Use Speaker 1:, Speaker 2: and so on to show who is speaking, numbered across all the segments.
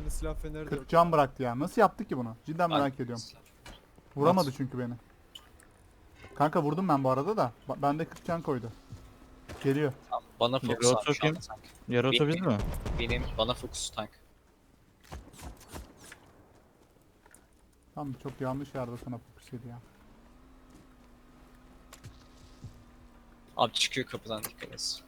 Speaker 1: Bende silah feneri de
Speaker 2: 40
Speaker 1: yok.
Speaker 2: can bıraktı ya. Nasıl yaptı ki bunu? Cidden merak ediyorum. Vuramadı çünkü beni. Kanka vurdum ben bu arada da. Bende 40 can koydu. Geliyor.
Speaker 3: Bana fokus
Speaker 4: Yarı
Speaker 3: abi şu
Speaker 4: oto
Speaker 3: anda tank.
Speaker 4: Yarı oto biz mi?
Speaker 3: Bana fokus tank.
Speaker 2: Tamam çok yanlış yerde sana fokus yedi ya.
Speaker 3: Abi çıkıyor kapıdan, dikkat et.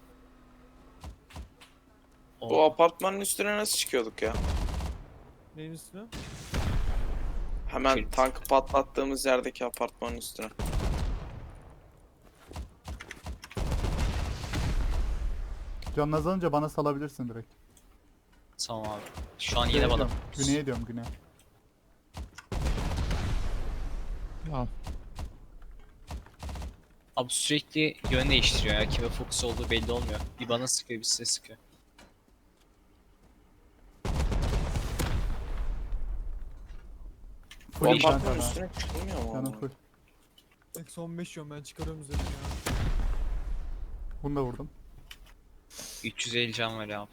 Speaker 5: Bu apartmanın üstüne nasıl çıkıyorduk ya?
Speaker 1: Neyin üstüne?
Speaker 5: Hemen
Speaker 3: Şey-
Speaker 5: tankı patlattığımız yerdeki apartmanın üstüne.
Speaker 2: Canın azalınca bana salabilirsin direkt.
Speaker 3: Tamam abi. Şu an yine
Speaker 2: Güneye
Speaker 3: bana
Speaker 2: diyorum,
Speaker 3: fokus.
Speaker 2: Güneye diyorum güneye.
Speaker 4: Al.
Speaker 3: Abi sürekli yön değiştiriyor ya. Kime fokus olduğu belli olmuyor. Bir bana sıkıyor, bir size sıkıyor.
Speaker 5: Bu
Speaker 2: Full can
Speaker 5: apartmanın
Speaker 2: sana.
Speaker 5: üstüne çıkılmıyor mu?
Speaker 2: Canım
Speaker 5: oğlum?
Speaker 2: full.
Speaker 1: Eksi 15 yiyorum ben çıkarıyorum üzerine ya.
Speaker 2: Bunu da vurdum.
Speaker 3: 350 can var ya.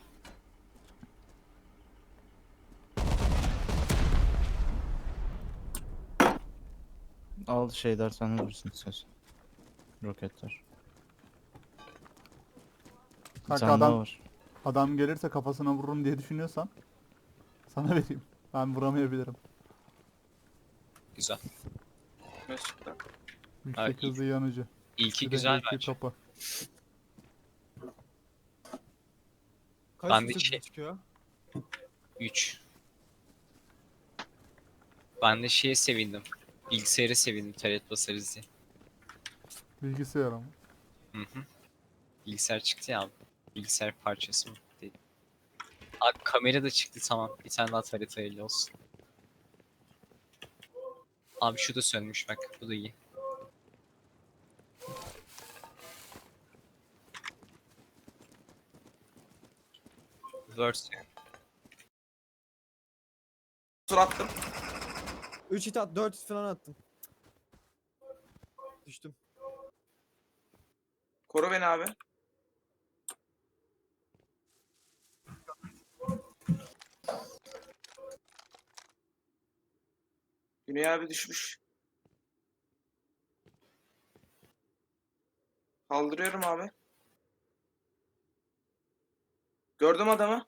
Speaker 4: Al şeyler sen vurursun söz. Roketler. Bir
Speaker 2: Kanka
Speaker 4: tane daha
Speaker 2: adam,
Speaker 4: var.
Speaker 2: adam gelirse kafasına vururum diye düşünüyorsan sana vereyim. Ben vuramayabilirim.
Speaker 3: Güzel.
Speaker 5: Ne çıktı?
Speaker 2: Yüksek
Speaker 3: iyi.
Speaker 2: hızlı yanıcı.
Speaker 3: İlki
Speaker 2: Bir de
Speaker 3: güzel
Speaker 2: HQ
Speaker 3: bence.
Speaker 2: kapı.
Speaker 1: Kaç
Speaker 3: Ben de
Speaker 1: yüksek
Speaker 3: şey-
Speaker 1: çıkıyor?
Speaker 3: 3. Ben de şeye sevindim. Bilgisayara sevindim taret basarız diye.
Speaker 2: Bilgisayar ama.
Speaker 3: Hı hı. Bilgisayar çıktı ya abi. Bilgisayar parçası mı? Değil. Abi kamera da çıktı, tamam. Bir tane daha taret hayırlı olsun. Abi şu da sönmüş bak. Bu da iyi. Verse.
Speaker 5: Sur attım.
Speaker 1: 3 hit at 4 hit falan attım. Düştüm.
Speaker 5: Koru beni abi. Güney abi düşmüş. Kaldırıyorum abi. Gördüm adamı.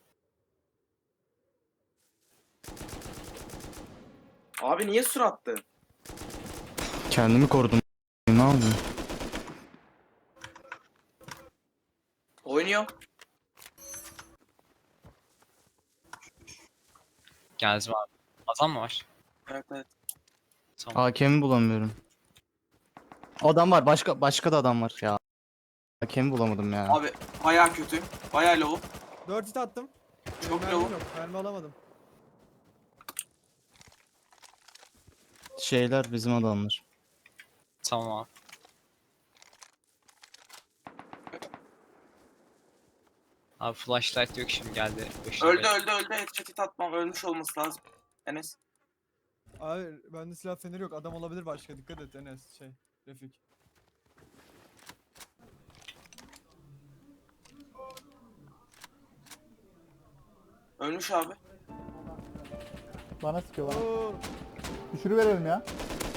Speaker 5: Abi niye sur attı?
Speaker 4: Kendimi korudum. Ne yapayım?
Speaker 5: Oynuyor.
Speaker 3: Geldim abi. Adam mı var?
Speaker 5: Evet evet.
Speaker 3: Tamam.
Speaker 4: Hakemi bulamıyorum. Adam var. Başka da adam var ya. Hakemi bulamadım ya.
Speaker 5: Abi bayağı kötü. Bayağı low.
Speaker 1: 4 hit attım.
Speaker 5: Çok
Speaker 1: Mermim
Speaker 5: low.
Speaker 1: yok. Mermi alamadım.
Speaker 4: Şeyler bizim adamlar.
Speaker 3: Tamam abi. Abi flashlight yok şimdi, geldi. Başına
Speaker 5: Öldü
Speaker 3: bela.
Speaker 5: öldü öldü. Headshot atmam. Ölmüş olması lazım. Enes.
Speaker 1: Abi bende silah feneri yok. Adam olabilir başka. Dikkat et Enes Refik.
Speaker 5: Ölmüş abi.
Speaker 2: Bana sıkıyorlar.
Speaker 1: Oo,
Speaker 2: Düşürüverelim ya.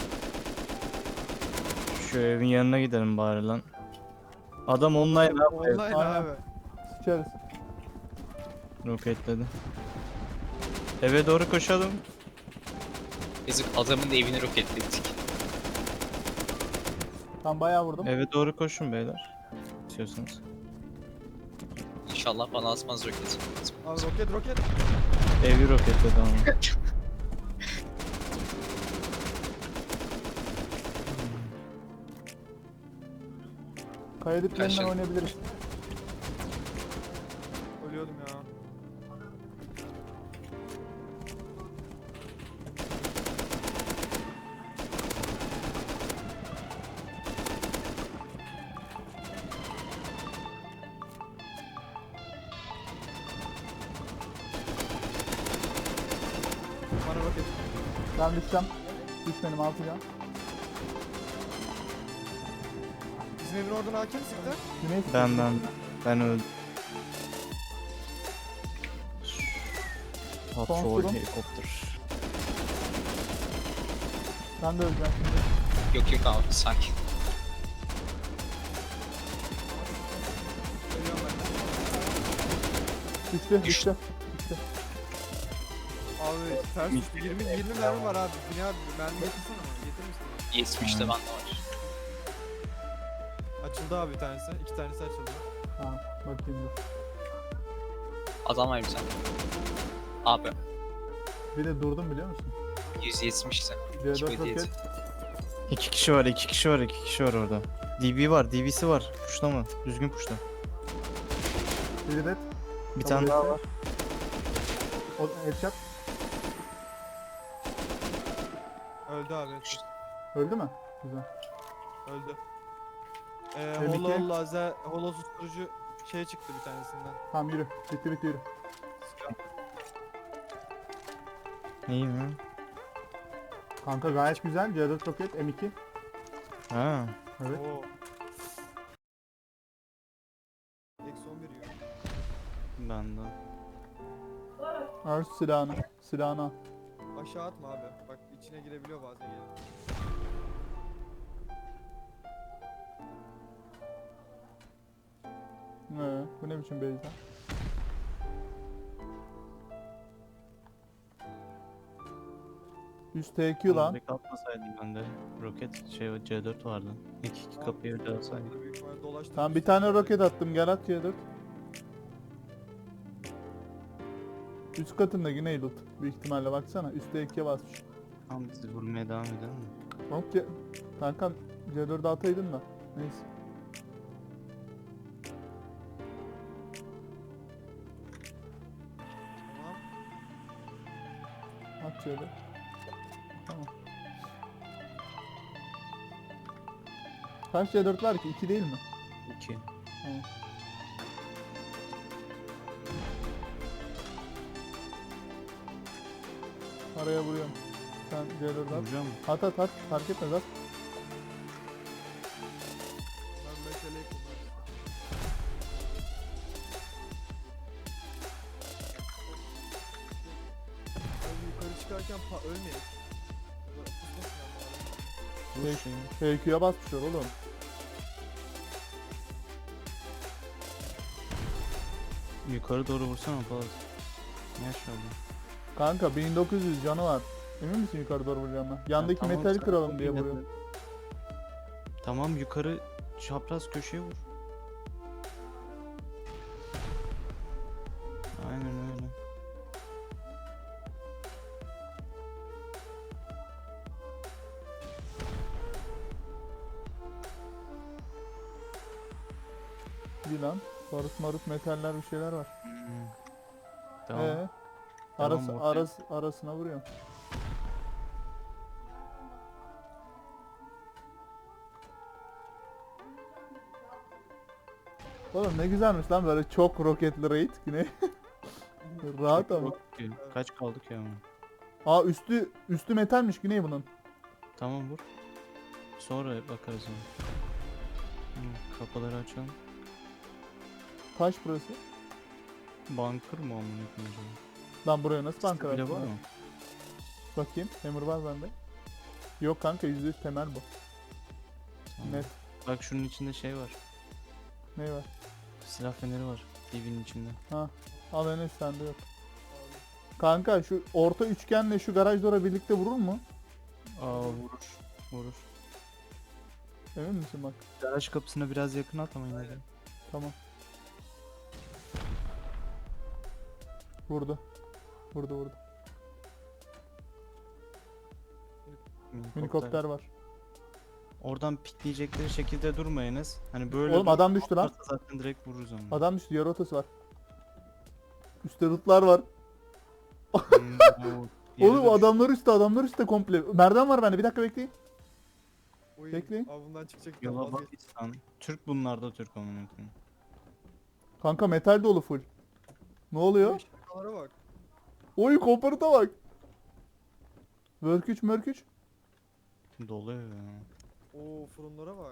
Speaker 4: Şu evin yanına gidelim bari lan. Adam online abi.
Speaker 1: online
Speaker 2: Aynen.
Speaker 1: abi.
Speaker 2: Sıçarız.
Speaker 4: Roketledi. Eve doğru koşalım.
Speaker 3: Biz adamın evini roketledik.
Speaker 2: Ben bayağı vurdum.
Speaker 4: Eve doğru koşun beyler. İstiyorsanız.
Speaker 3: İnşallah bana atmaz roket.
Speaker 1: Abi roket.
Speaker 4: Evi roketledi ama.
Speaker 2: Kaya diplerinden
Speaker 3: Kaçın.
Speaker 2: oynayabiliriz.
Speaker 1: Ölüyordum ya. Bana roket.
Speaker 2: Ben düşeceğim. Düşmedim 6 can.
Speaker 1: Bizim evin oradan hakim sıktı.
Speaker 2: Güney sıkıyor.
Speaker 4: Ben öldüm. Patrol
Speaker 2: durum.
Speaker 4: helikopter.
Speaker 2: Ben de öleceğim şimdi.
Speaker 3: Yok yok abi sakin.
Speaker 1: Ölüyorum ben de.
Speaker 2: Düştü,
Speaker 3: Düştü.
Speaker 2: düştü.
Speaker 1: Abi ters düştü. 20 mermi var abi. Yine abi mermi getirsene bana. Getirir misin?
Speaker 3: 70'te bende var.
Speaker 1: Açıldı abi bir tanesi. 2 tanesi açıldı.
Speaker 2: Tamam, bakayım dur.
Speaker 3: Adam var bir tane. Abi
Speaker 2: Bir de durdum biliyor musun?
Speaker 3: 170'te.
Speaker 2: C4
Speaker 3: Hiçbir
Speaker 2: roket.
Speaker 4: 2 kişi var, 2 kişi var, 2 kişi var orada. DB var, DB'si var. Puşla mı? Düzgün puşla.
Speaker 2: Bir de
Speaker 4: Bir
Speaker 2: Kabul
Speaker 4: tane daha
Speaker 2: etti.
Speaker 4: var.
Speaker 2: o headshot.
Speaker 1: Öldü abi. Evet.
Speaker 2: Öldü mü? Güzel.
Speaker 1: Öldü.
Speaker 2: M2.
Speaker 1: Holo lazer, holo susturucu şey çıktı bir tanesinden.
Speaker 2: Tamam yürü. Bitti yürü.
Speaker 4: İyi mi?
Speaker 2: Kanka gayet güzel. C4 roket M2.
Speaker 4: Ha.
Speaker 2: Evet.
Speaker 1: Oo. Eksi 11 yiyor.
Speaker 4: Ben de.
Speaker 2: Al silahını. Silahını al.
Speaker 1: Aşağı atma abi. Bak içine girebiliyor bazen ya.
Speaker 2: Bu ne biçim beyza? Üst TQ lan.
Speaker 4: Direkt atmasaydım ben de. Roket şey C4 vardı. İki kapıyı öyle alsaydım.
Speaker 1: Burada büyük ihtimalle dolaştırmış.
Speaker 2: Tamam bir tane roket attım. Gel at C4. Üst katında yine loot. Büyük ihtimalle baksana. Üst TQ'ye basmış.
Speaker 4: Tamam biz vurmaya devam edelim mi?
Speaker 2: Yok kankam C4'ü ataydın da. Neyse.
Speaker 1: Tamam.
Speaker 2: At C4. Tamam. Kaç C4 var ki? 2 değil mi?
Speaker 4: 2.
Speaker 2: Tamam. Araya vuruyorum. Sen C4 at.
Speaker 4: Vuracağım mı?
Speaker 2: At fark etmez at.
Speaker 1: Ben meseleyi kullanıyorum. Abi yukarı çıkarken ölmeyelim. Ya da pusmasın ama abi.
Speaker 4: Vur şeyi.
Speaker 2: PQ'ya basmışlar oğlum.
Speaker 4: Yukarı doğru vursana Polat. Ne aşağıda?
Speaker 2: Kanka 1900 canı var. Emin misin yukarı doğru vuracağım ben? Yandaki
Speaker 4: tamam,
Speaker 2: metali
Speaker 4: sen
Speaker 2: kıralım
Speaker 4: çok
Speaker 2: diye
Speaker 4: iyi
Speaker 2: vuruyorum.
Speaker 4: Tamam yukarı çapraz köşeye vur. Aynen öyle.
Speaker 2: Bir lan. Barut marut metaller bir şeyler var.
Speaker 4: Tamam.
Speaker 2: Arası,
Speaker 4: Tamam,
Speaker 2: arasına vuruyorum. Oğlum ne güzelmiş lan böyle çok roketli raid yine. Rahat ama.
Speaker 4: Kaç kaldık ya ama.
Speaker 2: Aa üstü metalmiş Güney bunun.
Speaker 4: Tamam vur. Sonra bakarız ona. Kapıları açalım.
Speaker 2: Taş burası.
Speaker 4: Bunker mı amına koyayım acaba?
Speaker 2: Lan buraya nasıl banka
Speaker 4: Bile
Speaker 2: attın
Speaker 4: var
Speaker 2: lan?
Speaker 4: mı?
Speaker 2: Bakayım. Hammer var bende. Yok kanka %100 temel bu.
Speaker 4: Tamam.
Speaker 2: Net.
Speaker 4: Bak şunun içinde şey var.
Speaker 2: Ne var?
Speaker 4: Silah feneri var. TV'nin içinde.
Speaker 2: Al Enes sende yok. Kanka şu orta üçgenle şu garaj dora birlikte vurur mu?
Speaker 4: Aa vurur. Vurur.
Speaker 2: Emin misin bak?
Speaker 4: Garaj kapısına biraz yakın at ama yine de.
Speaker 2: Tamam. Vurdu. Vurdu. Minikopter var.
Speaker 4: Oradan pikleyecekleri şekilde durmayınız. Hani böyle
Speaker 2: Oğlum adam düştü lan.
Speaker 4: varsa zaten direkt vururuz onu.
Speaker 2: Adam düştü. Yarı otası var. Üstte lootlar var. Oğlum adamlar üstte komple. Merdiven var bende. Bir dakika bekleyin.
Speaker 1: Oy,
Speaker 2: Bekleyin.
Speaker 1: Abi bundan çıkacak.
Speaker 4: Yola bak İhsan. Türk bunlar da Türk amına koyayım.
Speaker 2: Kanka metal dolu full. Ne oluyor?
Speaker 1: Şakalara bak.
Speaker 2: Oy komparıta bak. Mörküç.
Speaker 4: Doluyor ya.
Speaker 1: Oo fırınlara bak.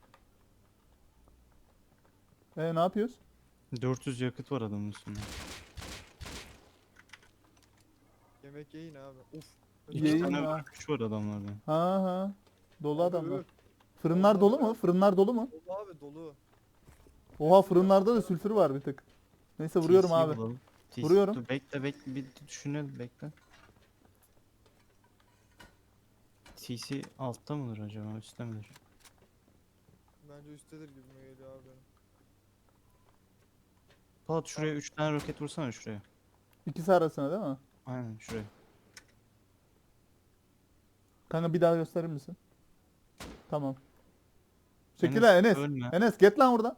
Speaker 2: Ne yapıyoruz?
Speaker 4: 400 yakıt var adamın üstünde.
Speaker 1: Yemek yiyin abi. Uf.
Speaker 4: İki
Speaker 2: Yayın
Speaker 4: tane
Speaker 2: ha.
Speaker 4: kuş var adamlarda.
Speaker 2: Ha ha. Dolu
Speaker 1: Abi,
Speaker 2: adamlar.
Speaker 1: öf.
Speaker 2: Fırınlar
Speaker 1: Onlar
Speaker 2: dolu
Speaker 1: da-
Speaker 2: mu? Fırınlar dolu mu?
Speaker 1: Dolu abi dolu.
Speaker 2: Oha fırınlarda da sülfür var bir tık. Neyse vuruyorum
Speaker 4: TC
Speaker 2: abi.
Speaker 4: bulalım. TC
Speaker 2: Vuruyorum.
Speaker 4: Dur, bekle bir düşünelim bekle. TC altta mıdır acaba üstte midir?
Speaker 1: Bence üsttedir gibi mi geliyor abi benim.
Speaker 4: Polat şuraya 3 tane roket vursana şuraya.
Speaker 2: İkisi arasına değil mi?
Speaker 4: Aynen şuraya.
Speaker 2: Kanka bir daha gösterir misin? Tamam. Çekil
Speaker 4: Enes,
Speaker 2: lan Enes.
Speaker 4: ölme.
Speaker 2: Enes get lan buradan.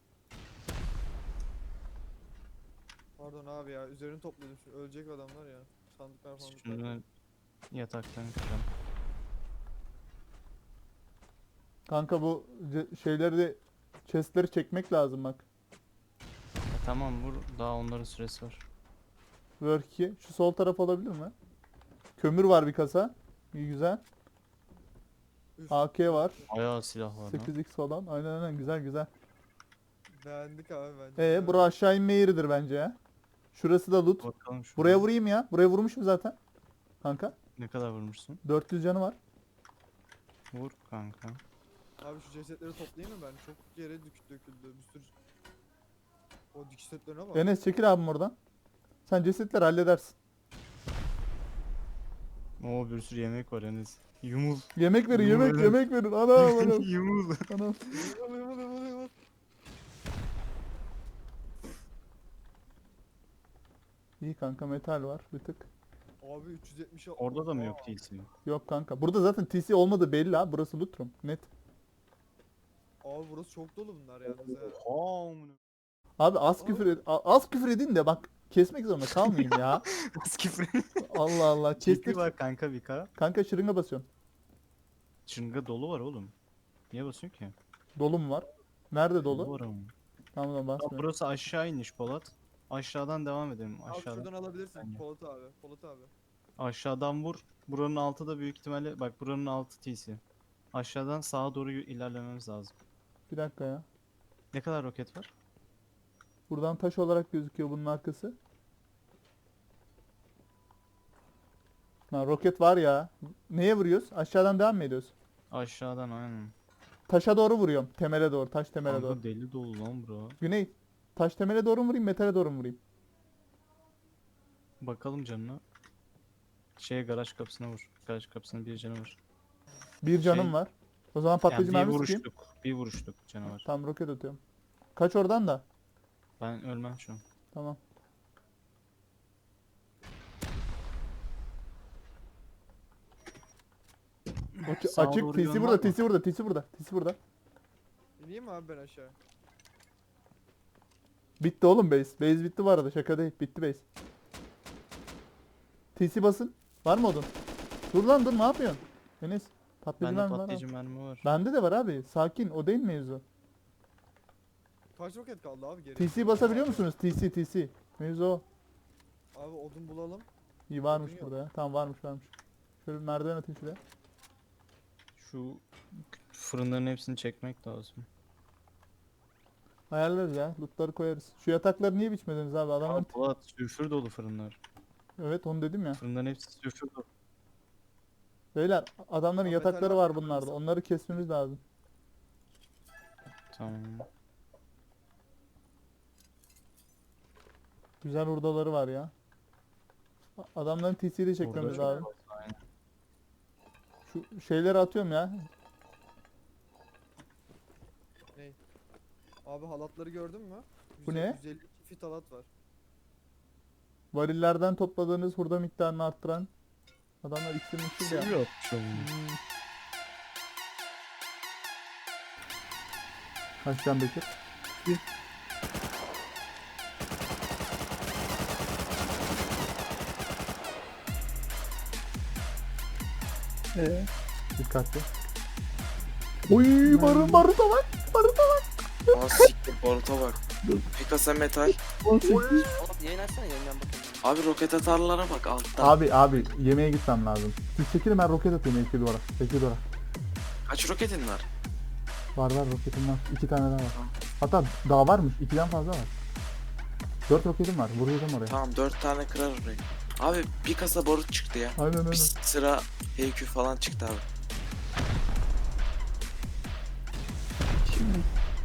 Speaker 1: Pardon abi ya üzerini topladım şimdi ölecek adamlar ya. Sandıklar falan.
Speaker 4: Şunu yataktan kıralım.
Speaker 2: Kanka bu şeyleri de chestleri çekmek lazım bak.
Speaker 4: Tamam vur daha onların süresi var.
Speaker 2: Work 2. Şu sol taraf olabilir mi? Kömür var bir kasa. İyi güzel.
Speaker 1: Üf.
Speaker 2: AK var.
Speaker 4: Bayağı silah var lan.
Speaker 2: 8x falan. Aynen güzel güzel.
Speaker 1: Beğendik abi bence.
Speaker 2: Bura aşağı inme yeridir bence ya. Şurası da loot.
Speaker 4: Bakalım şuraya.
Speaker 2: Buraya vurayım ya. Buraya vurmuşum zaten. Kanka.
Speaker 4: Ne kadar vurmuşsun?
Speaker 2: 400 canı var.
Speaker 4: Vur kanka.
Speaker 1: Abi şu cesetleri toplayayım mı ben? Çok yere döküldü bir sürü. O dikiş setlerine bak.
Speaker 2: Enes çekil abim oradan. Sen cesetleri halledersin.
Speaker 4: Oo bir sürü yemek var Enes. Yumul.
Speaker 2: Yemek verin
Speaker 4: Yumul Enes.
Speaker 2: yemek verin. Anam anam.
Speaker 4: Yumul.
Speaker 2: Anam.
Speaker 1: Yıvıl.
Speaker 2: İyi kanka metal var bir tık.
Speaker 1: Abi 370
Speaker 4: Orada da mı yok TC?
Speaker 2: Yok kanka. Burada zaten TC olmadığı belli ha. Burası loot room. Net.
Speaker 1: Abi burası çok dolu bunlar yalnız ya.
Speaker 4: Oha amına.
Speaker 2: Abi az küfür edin de bak kesmek zorunda kalmayayım ya.
Speaker 4: Küfür.
Speaker 2: Allah Allah.
Speaker 4: Ciddi
Speaker 2: Kestik.
Speaker 4: var kanka bir kara.
Speaker 2: Kanka şırınga basıyorum.
Speaker 4: Çınga dolu var oğlum. Niye basıyorsun ki?
Speaker 2: Dolu mu var? Nerede
Speaker 4: Dolu
Speaker 2: dolu?
Speaker 4: var ama.
Speaker 2: Tamam
Speaker 4: Aa,
Speaker 2: basmıyorum.
Speaker 4: burası aşağı iniş Polat. Aşağıdan devam edelim.
Speaker 1: Abi
Speaker 4: Aşağıdan.
Speaker 1: şuradan alabilirsin
Speaker 4: Bence.
Speaker 1: Polat abi. Polat abi.
Speaker 4: Aşağıdan vur. Buranın altı da büyük ihtimalle bak buranın altı TC. Aşağıdan sağa doğru ilerlememiz lazım.
Speaker 2: Bir dakika ya.
Speaker 4: Ne kadar roket var?
Speaker 2: Buradan taş olarak gözüküyor bunun arkası. Lan roket var ya. Neye vuruyoruz? Aşağıdan devam mı ediyoruz?
Speaker 4: Aşağıdan aynen.
Speaker 2: Taşa doğru vuruyorum. Temele doğru. Taş temele doğru.
Speaker 4: Kanka deli dolu lan bro.
Speaker 2: Güney. Taş temele doğru mu vurayım? Metale doğru mu vurayım?
Speaker 4: Bakalım canına. Garaj kapısına vur. Garaj kapısına bir canı var.
Speaker 2: Bir canım
Speaker 4: Şey-
Speaker 2: var. O zaman patlayıcı
Speaker 4: Yani bir
Speaker 2: mermi sıkayım.
Speaker 4: vuruşluk. Bir vuruşluk canı var.
Speaker 2: Tam roket atıyorum. Kaç oradan da.
Speaker 4: Ben ölmem şu an.
Speaker 2: Tamam.
Speaker 4: Sağa
Speaker 2: Açık.
Speaker 4: doğru
Speaker 2: TC
Speaker 4: yön
Speaker 2: burada,
Speaker 4: var mı?
Speaker 2: TC burada, TC burada. TC burada.
Speaker 1: İneyim mi abi ben aşağı?
Speaker 2: Bitti oğlum base. Base bitti bu arada. Şaka değil. Bitti base. TC basın. Var mı odun? Dur lan dur ne yapıyorsun? Enes. Patlayıcı
Speaker 4: Bende
Speaker 2: mermi var.
Speaker 4: patlayıcı
Speaker 2: abi.
Speaker 4: mermi var.
Speaker 2: Bende de var abi. Sakin. O değil mevzu.
Speaker 1: Kaç roket kaldı abi geri?
Speaker 2: TC basabiliyor musunuz? TC. Mevzu o.
Speaker 1: Abi odun bulalım.
Speaker 2: İyi varmış
Speaker 1: Odun yok.
Speaker 2: burada ya. Tamam varmış. Şöyle bir merdiven atayım şuraya.
Speaker 4: Şu fırınların hepsini çekmek lazım.
Speaker 2: Ayarlarız ya. Lootları koyarız. Şu yatakları niye biçmediniz abi? Adamlar...
Speaker 4: Aa, Polat sülfür dolu fırınlar.
Speaker 2: Evet onu dedim ya.
Speaker 4: Fırınların hepsi sülfür dolu.
Speaker 2: Beyler adamların
Speaker 1: Abi
Speaker 2: yatakları
Speaker 1: metal
Speaker 2: var
Speaker 1: var,
Speaker 2: bunlarda.
Speaker 1: koyarız.
Speaker 2: Onları kesmemiz lazım.
Speaker 4: Tamam.
Speaker 2: Güzel hurdaları var ya. Adamların TC'yi çekmemiz
Speaker 4: Burada
Speaker 2: lazım.
Speaker 4: çok fazla, aynen.
Speaker 2: Şu şeyleri atıyorum ya.
Speaker 1: Abi halatları gördün mü?
Speaker 2: Bu ne?
Speaker 1: 152 fit halat var.
Speaker 2: Varillerden topladığınız hurda miktarını arttıran adamlar iksir miksir ya.
Speaker 4: Sivri atmış oğlum.
Speaker 2: Kaç can Bekir? Dikkatli. Oy barın baruta bak. Baruta bak.
Speaker 5: Aa siktir baruta bak. Bir kasa metal.
Speaker 6: Oğlum yayın açsana yayından bakayım.
Speaker 5: Abi roket atarlara bak altta.
Speaker 2: Abi yemeğe gitmem lazım. Siz çekilin ben roket atayım Ekil duvara. Ekil duvara.
Speaker 5: Kaç roketin var?
Speaker 2: Var roketim var. 2 tane daha var. Hatta daha varmış. 2'den fazla var. 4 roketim var. Vuracağım oraya.
Speaker 5: Tamam 4 tane kırar orayı. Abi bir kasa barut çıktı ya.
Speaker 2: Aynen aynen.
Speaker 5: Bir sıra HQ falan çıktı abi.
Speaker 7: Şimdi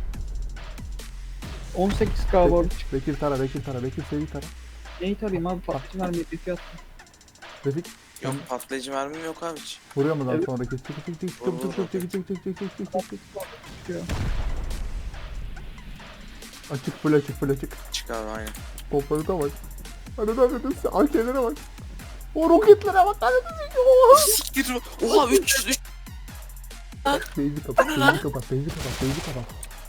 Speaker 7: 18k borç.
Speaker 2: Bekir tara, Bekir tara, Bekir seri tara.
Speaker 7: Neyi tarayayım abi? Patlıcı vermeyip bir fiyat.
Speaker 2: Refik
Speaker 5: Yok patlayıcı mermim yok abi hiç.
Speaker 2: vuruyor mu lan
Speaker 7: Evet.
Speaker 2: sonraki? Çık çık çık çık çık
Speaker 5: Vur,
Speaker 2: çık
Speaker 5: vur,
Speaker 2: çık çık çık çık çık çık çık çık.
Speaker 7: Çıkıyor.
Speaker 2: Açık full açık full açık.
Speaker 5: Çık abi aynen.
Speaker 2: Toplarına bak. Hadi hadi AK'lere bak. O roketlere bak. Hadi hadi.
Speaker 5: Siktir. Oha 300.
Speaker 2: Beyzi kapat, beyzi kapat, beyzi kapat, beyzi kapat.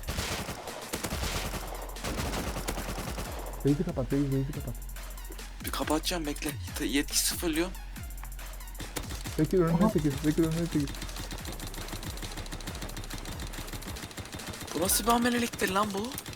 Speaker 2: Beyzi kapat, beyzi kapat.
Speaker 5: Bir kapatacağım bekle. Yetki sıfırlıyor.
Speaker 2: Bekir önüne çekil, Bekir önüne çekil.
Speaker 5: Bu nasıl bir ameleliktir lan bu?